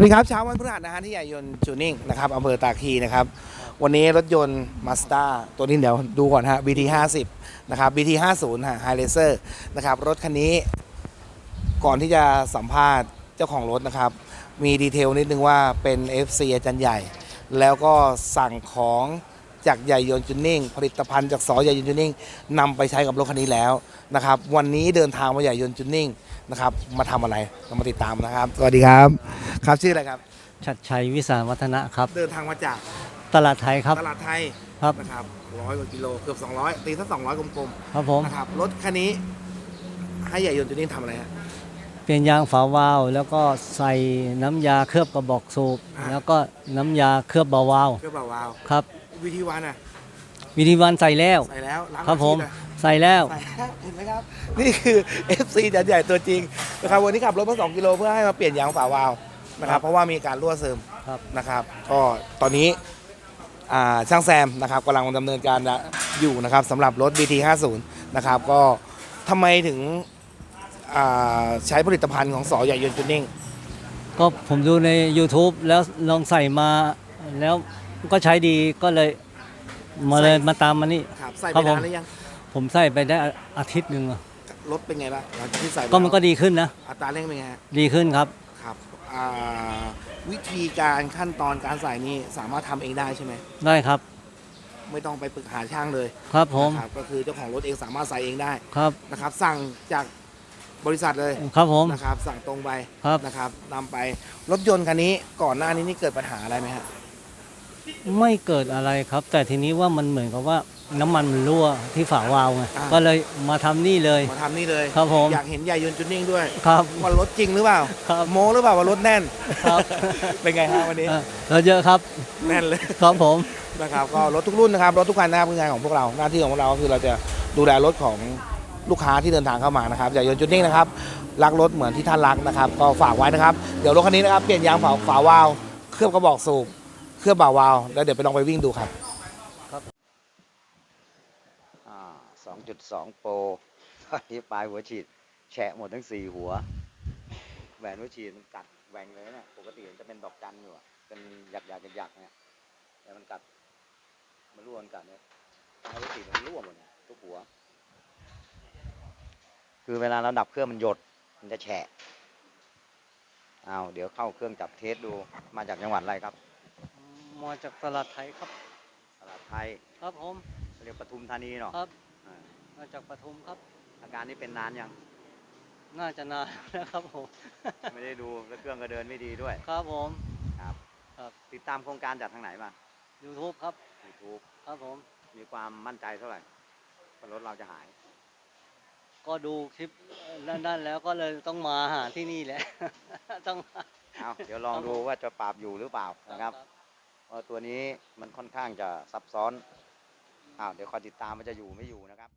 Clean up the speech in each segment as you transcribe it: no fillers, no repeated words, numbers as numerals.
ดีครับเช้าวันพฤหัสนะฮะที่ใหญ่ยนต์จูนิ่งนะครับอำเภอตาคีนะครับวันนี้รถยนต์ Mazda ตัวนี้เดี๋ยวดูก่อนฮะ BT 50นะครับ BT 50ฮะ High Racer นะครับรถคันนี้ก่อนที่จะสัมภาษณ์เจ้าของรถนะครับมีดีเทลนิดนึงว่าเป็น FC อาจารย์ใหญ่แล้วก็สั่งของจากใหญ่ยนต์จูนิ่งผลิตภัณฑ์จากสอใหญ่ยนต์จูนิ่งนำไปใช้กับรถคันนี้แล้วนะครับวันนี้เดินทางมาใหญ่ยนต์จูนิ่งนะครับมาทำอะไรเรามาติดตามนะครับสวัสดีครับครับชื่ออะไรครับชัดชัยวิสารวัฒนะครับเดินทางมาจากตลาดไทยครับตลาดไทยครับนะครับ100 กว่ากิโลเกือบ200ตีสัก200กลมครับผมๆนะครับรถคันนี้ให้ใหญ่ยนต์จูนิ่งทำอะไรฮะเปลี่ยนยางฝาวาล์วแล้วก็ใส่น้ำยาเคลือบกระบอกสูบแล้วก็น้ำยาเคลือบเบาวาล์วเครื่องเบาวาวครับวิธีวันอ่ะวิธีวันใส่แล้วใส่แล้วล้างครับผมอาทิตย์อะใส่แล้วใส่แล้วเห็นไหมครับนี่คือ FC อาจารย์ใหญ่ตัวจริงนะครับวันนี้ขับรถมา2 กิโลเพื่อให้มาเปลี่ยนยางฝาวาล์วนะครับเพราะว่ามีการรั่วซึมครับนะครับก็ตอนนี้ช่างแซมนะครับกำลังดำเนินการอยู่นะครับสำหรับรถ BT 50นะครับก็ทำไมถึงใช้ผลิตภัณฑ์ของสอใหญ่ยนต์จูนิ่งก็ผมดูใน YouTube แล้วลองใส่มาแล้วก็ใช้ดีก็เลยมาตามมานี่ครับใส่ไปครับผมนานหรือยังผมใส่ไปได้อาทิตย์หนึ่งอะรถเป็นไงบ้างหลังจากที่ใส่ไปก็มันก็ดีขึ้นนะอัตราเร่งเป็นไงฮะดีขึ้นครับครับวิธีการขั้นตอนการใส่นี่สามารถทำเองได้ใช่ไหมได้ครับไม่ต้องไปปรึกษาช่างเลยครับผมนะครับก็คือเจ้าของรถเองสามารถใส่เองได้ครับนะครับสั่งจากบริษัทเลยครับผมนะครับสั่งตรงไปครับนะครับนำไปรถยนต์คันนี้ก่อนหน้านี้นี่เกิดปัญหาอะไรไหมฮะไม่เกิดอะไรครับ แต่ทีนี้ว่ามันเหมือนกับว่าน้ำมันมันรั่วที่ฝาวาล์วไงก็เลยมาทำนี่เลยมาทำนี่เลยครับผมอยากเห็นใหญ่ยนต์จูนิ่งด้วยครับว่ารถจริงหรือเปล่าครับโมหรือเปล่าว่ารถแน่นครับเป็นไงฮะวันนี้เราเยอะครับแน่นเลยครับผมนะครับก็รถทุกรุ่นนะครับรถทุกคันนะครับคืองานของพวกเราหน้าที่ของพวกเราก็คือเราจะดูแลรถของลูกค้าที่เดินทางเข้ามานะครับอย่ายนต์จูนิ่งนะครับรักรถเหมือนที่ท่านรักนะครับก็ฝากไว้นะครับเดี๋ยวรถคันนี้นะครับเปลี่ยนยางฝาวาล์วเคลือบกระบอกสูบเคลือบบ่าวาล์วแล้วเดี๋ยวไปลองไปวิ่งดูครับ 2.2 โปรตอนนี้ปลายหัวฉีดแฉะหมดทั้ง4 หัวแหวนหัวฉีดมันกัดแหว่งเลยเนี่ยปกติมันจะเป็นดอกจันอยู่อะเป็นหยักเนี่ยแต่มันกัดมันร่วนกัดเนี่ยปลายหัวฉีดมันร่วหมดเนี่ยทุกหัวคือเวลาเราดับเครื่องมันหยดมันจะแฉะเดี๋ยวเข้าเครื่องจับเทสดูมาจากจังหวัดอะไรครับมาจากตลาดไทยครับตลาดไทยครับผมเรียกปทุมธานีเนาะครับมาจากปทุมครับอาการนี้เป็นนานยังน่าจะนานนะครับผมไม่ได้ดูแล้วเครื่องก็เดินไม่ดีด้วยครับผมครับครับติดตามโครงการจากทางไหนมา YouTube ครับ YouTube ครับผมมีความมั่นใจเท่าไหร่ว่ารถเราจะหายก็ดูคลิปด้านแล้วก็เลยต้องมาหาที่นี่แหละ ต้องมาเดี๋ยวลองดูว่าจะปราบอยู่หรือเปล่านะครับเพราะตัวนี้มันค่อนข้างจะซับซ้อนเดี๋ยวคอยติดตามมันจะอยู่ไม่อยู่นะครับ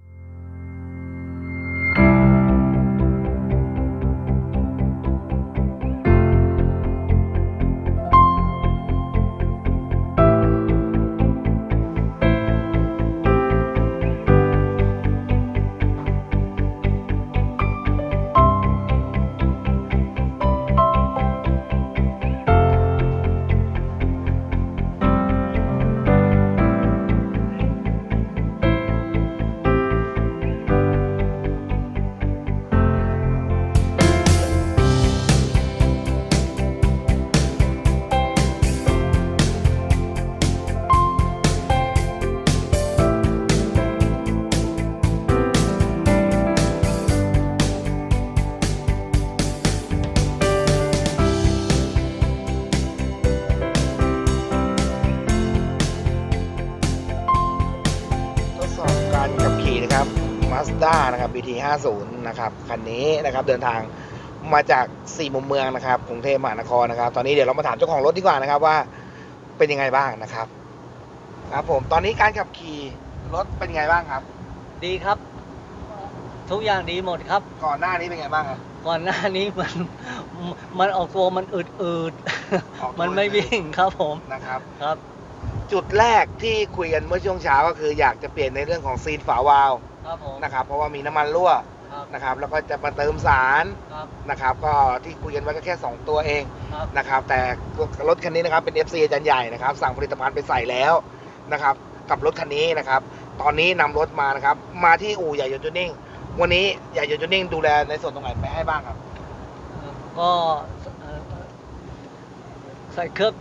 ทดสอบการขับขี่นะครับ Mazda นะครับ BT 50นะครับคันนี้นะครับเดินทางมาจาก4 มุมเมืองนะครับกรุงเทพมหานครนะครับตอนนี้เดี๋ยวเรามาถามเจ้าของรถดีกว่านะครับว่าเป็นยังไงบ้างนะครับครับผมตอนนี้การขับขี่รถเป็นยังไงบ้างครับดีครับ ทุกอย่างดีหมดครับก่อนหน้านี้เป็นไงบ้างครับก่อนหน้านี้มันออกตัวมันอืดออกตัวมันไม่วิ่งครับผมนะครับครับจุดแรกที่คุยกันเมื่อช่วงเช้าก็คืออยากจะเปลี่ยนในเรื่องของซีนฝาวาล์วครับผมนะครับเพราะว่ามีน้ำมันรั่วครับนะครับแล้วก็จะมาเติมสารครับนะครับก็ที่คุยกันไว้ก็แค่ 2 ตัวเองครับนะครับแต่รถคันนี้นะครับเป็น FC อาจารย์ใหญ่นะครับสั่งผลิตภัณฑ์ไปใส่แล้วนะครับกับรถคันนี้นะครับตอนนี้นำรถมานะครับมาที่อู่ใหญ่ยนต์จูนิ่งวันนี้ใหญ่ยนต์จูนิ่งดูแลในส่วนตรงไหนไปให้บ้างครับก็ใส่เคลือบ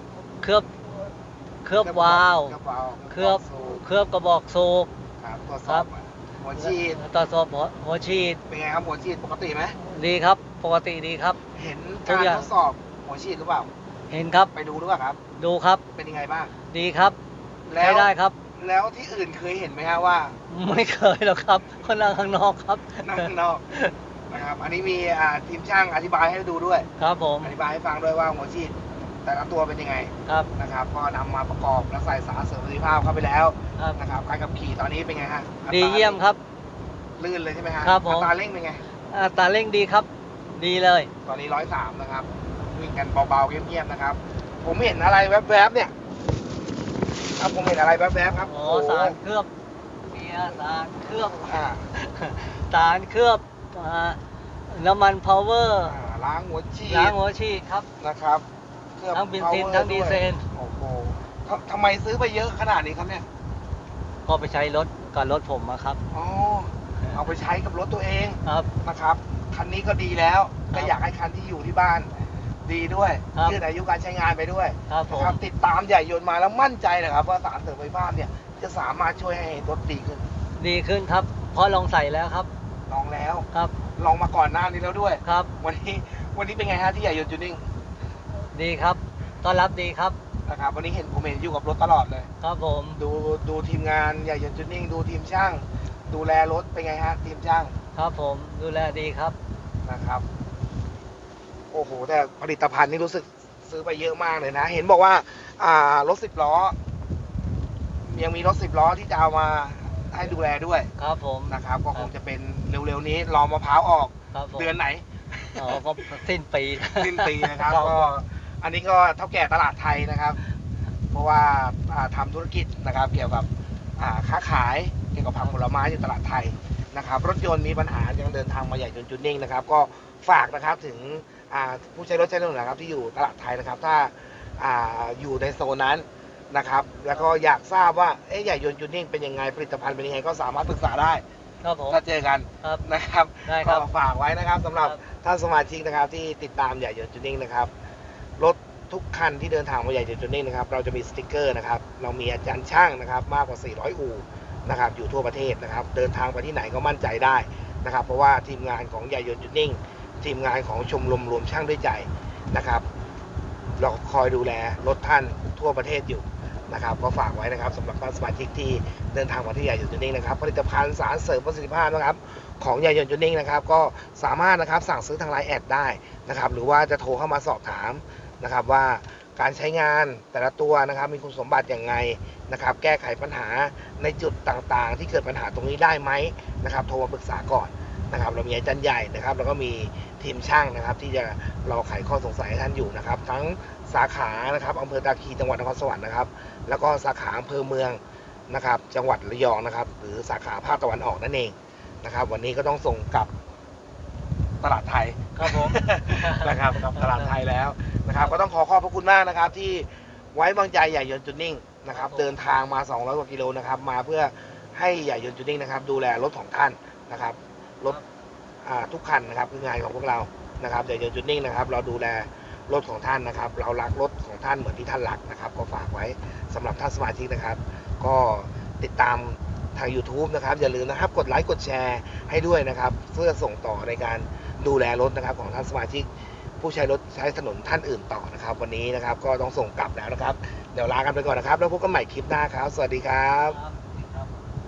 วาล์ว เคลือบกระบอกสูบครับตรวจสครัอบบ หัวฉีดตรวจสอบหัวฉีดเป็นไงครับหัวฉีดปกติไหมดีครับ ปกติดีครับเห็นทุกาก รอย่างทดสอบหัวฉีดหรือเปล่าเห็นครับไปดูหรือเปล่าครับดูครับเป็นยังไงบ้างดีครับแล้ใช้วได้ครับแล้วที่อื่นเคยเห็นไหมฮะว่าไม่เคยหรอกครับคนนั่งข้างนอกครับนั่งข้างนอกนะครับอันนี้มีทีมช่างอธิบายให้ดูด้วยครับผมอธิบายให้ฟังด้วยว่าหัวฉีดแต่ละตัวเป็นยังไงครับนะครับก็นำมาประกอบและใส่สารเสริมประสิทธิภาพเข้าไปแล้วครับนะครับการขับขี่ตอนนี้เป็นไงฮะอัตราดีเยี่ยมครับลื่นเลยใช่ไหมฮะครับผมอัตราเร่งเป็นไงอัตราเร่งดีครับ ดีเลยตอนนี้103นะครับวิ่งกันเบาๆเงียบๆนะครับ ผมเห็นอะไรแวบๆเนี่ยครับผมเห็นอะไรแวบๆครับอ๋อโอ้โหสารเคลือบเบียร์สารเคลือบอ่าสารเคลือบน้ำมันพาวเวอร์ล้างหัวฉีดล้างหัวฉีดครับนะครับเครื่องทั้งเบนซิน power ทั้งดีเซลด้วยโอ้โหทำไมซื้อไปเยอะขนาดนี้ครับเนี่ยก็ไปใช้รถกับรถผมมาครับอ๋อเอาไปใช้กับรถตัวเองครับนะครับคันนี้ก็ดีแล้วครับก็อยากให้คันที่อยู่ที่บ้านดีด้วยครับยืดอายุการใช้งานไปด้วยครับผมนะครับติดตามใหญ่ยนต์มาแล้วมั่นใจนะครับว่าสารเสริมไฟฟ้าเนี่ยจะสามารถช่วยให้รถดีขึ้นดีขึ้นครับ เพราะลองใส่แล้วครับลองแล้วครับลองมาก่อนหน้านี้แล้วด้วยครับวันนี้เป็นไงฮะที่ใหญ่ยนต์จูนิ่งดีครับ ต้อนรับดีครับนะครับวันนี้เห็นผมเห็นอยู่กับรถตลอดเลยครับผมดูทีมงานใหญ่ยนต์จูนิ่งดูทีมช่าง ดูแลรถเป็นไงฮะทีมช่างครับผม ดูแลดีครับนะครับโอ้โหแต่ผลิตภัณฑ์นี่รู้สึกซื้อไปเยอะมากเลยนะ เห็นบอกว่ารถ10 ล้อยังมีรถ10 ล้อที่จะเอามาให้ดูแลด้วยครับผมนะครับก็คงจะเป็นเร็วๆนี้รอมะพร้าวออกครับผมเดือนไหนอ๋อก็สิ้นปีสิ้นปีนะครับครับก็อันนี้ก็เท่าแก่ตลาดไทยนะครับ เพราะว่าทำธุรกิจนะครับเกี่ยวกับค้าขายเกี่ยวกับผักผลไม้อยู่ตลาดไทยนะครับรถยนต์มีปัญหายังเดินทางมาใหญ่จนจูนนิ่งนะครับก็ฝากนะครับถึงผู้ใช้รถใช้ถนนนะครับที่อยู่ตลาดไทยนะครับถ้าอยู่ในโซนนั้นนะครับแล้วก็อยากทราบว่าใหญ่ยนต์จูนนิ่งเป็นยังไงผลิตภัณฑ์เป็นยังไงก็สามารถปรึกษาได้ครับผมถ้าเจอกันครับนะครับได้ครับก็ฝากไว้นะครับสำหรับครับท่านสมาชิกนะครับที่ติดตามใหญ่ยนต์จูนนิ่งนะครับรถทุกคันที่เดินทางมาใหญ่ยนต์จูนนิ่งนะครับเราจะมีสติกเกอร์นะครับเรามีอาจารย์ช่างนะครับมากกว่า400อู่นะครับอยู่ทั่วประเทศนะครับเดินทางไปที่ไหนก็มั่นใจได้นะครับเพราะว่าทีมงานของใหญ่ยนต์จูนนิ่งทีมงานของชมรมรวมช่างด้วยใจนะครับเราคอยดูแลรถท่านทั่วประเทศอยู่นะครับก็ฝากไว้นะครับสำหรับท่านสมาชิกที่เดินทางมาที่ใหญ่ยนต์จูนนิ่งนะครับผลิตภัณฑ์สารเสริมประสิทธิภาพนะครับของใหญ่ยนต์จูนนิ่งนะครับก็สามารถนะครับสั่งซื้อทางไลน์แอดได้นะครับหรือว่าจะโทรเข้ามาสอบถามนะครับว่าการใช้งานแต่ละตัวนะครับมีคุณสมบัติอย่างไงนะครับแก้ไขปัญหาในจุดต่างๆ ที่เกิดปัญหาตรงนี้ได้ไหมนะครับโทรมาปรึกษาก่อนนะครับเรามีอาจารย์ใหญ่นะครับแล้วก็มีทีมช่างนะครับที่จะรอไขข้อสงสัยให้ท่านอยู่นะครับทั้งสาขานะครับอำเภอตาคีจังหวัดนครสวรรค์นะครับแล้วก็สาขาอำเภอเมืองนะครับจังหวัดระยองนะครับหรือสาขาภาคตะวันออกนั่นเองนะครับวันนี้ก็ต้องส่งกลับตลาดไทยครับผมนะครับกับตลาดไทยแล้วนะครับก็ต้องขอบพระคุณมากนะครับที่ไว้วางใจใหญ่ยนต์จูนนิ่งนะครับเดินทางมา200 กว่ากิโลนะครับมาเพื่อให้ใหญ่ยนต์จูนนิ่งนะครับดูแลรถของท่านนะครับรถทุกคันนะครับคืองานของพวกเรานะครับใหญ่ยนต์จูนนิ่งนะครับเราดูแลรถของท่านนะครับเรารักรถของท่านเหมือนที่ท่านรักนะครับก็ฝากไว้สำหรับท่านสมาชิกนะครับก็ติดตามทาง YouTube นะครับอย่าลืมนะครับกดไลค์กดแชร์ให้ด้วยนะครับเพื่อส่งต่อในการดูแลรถนะครับของท่านสมาชิกผู้ใช้รถใช้ถนนท่านอื่นต่อนะครับวันนี้นะครับก็ต้องส่งกลับแล้วนะครับเดี๋ยวลากันไปก่อนนะครับแล้วพบกันใหม่คลิปหน้าครับสวัสดีครับครับ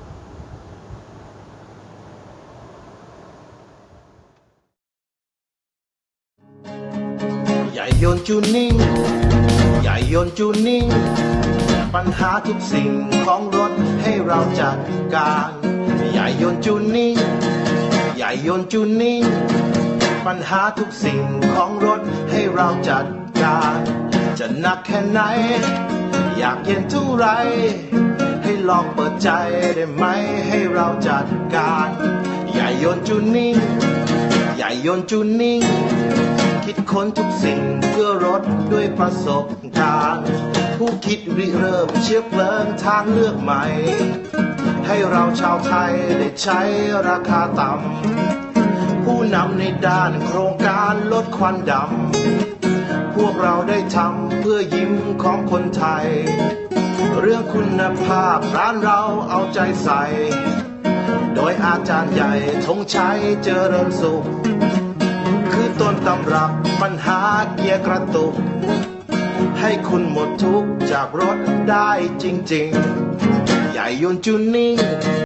ใหญ่ยนต์จูนนิ่งใหญ่ยนต์จูนนิ่งปัญหาทุกสิ่งของรถให้เราจัดการใหญ่ยนต์จูนนิ่งใหญ่ยนต์จูนนิ่งปัญหาทุกสิ่งของรถให้เราจัดการจะหนักแค่ไหนอยากเย็นเท่าไรให้ลองเปิดใจได้ไหมให้เราจัดการใหญ่ยนต์จูนิ่งใหญ่ยนต์จูนิ่งคิดค้นทุกสิ่งเพื่อรถด้วยประสบการณ์ผู้คิดริเริ่มเชื้อเพลิงทางเลือกใหม่ ให้เราชาวไทยได้ใช้ราคาต่ำผู้นำในด้านโครงการลดควันดำพวกเราได้ทำเพื่อยิ้มของคนไทย เรื่องคุณภาพร้านเราเอาใจใส่ โดยอาจารย์ใหญ่ธงชัยเจริญสุข คือต้นตำรับปัญหาเกียร์กระตุก ให้คุณหมดทุกข์จากรถได้จริงๆ ใหญ่ยนต์จูนิ่ง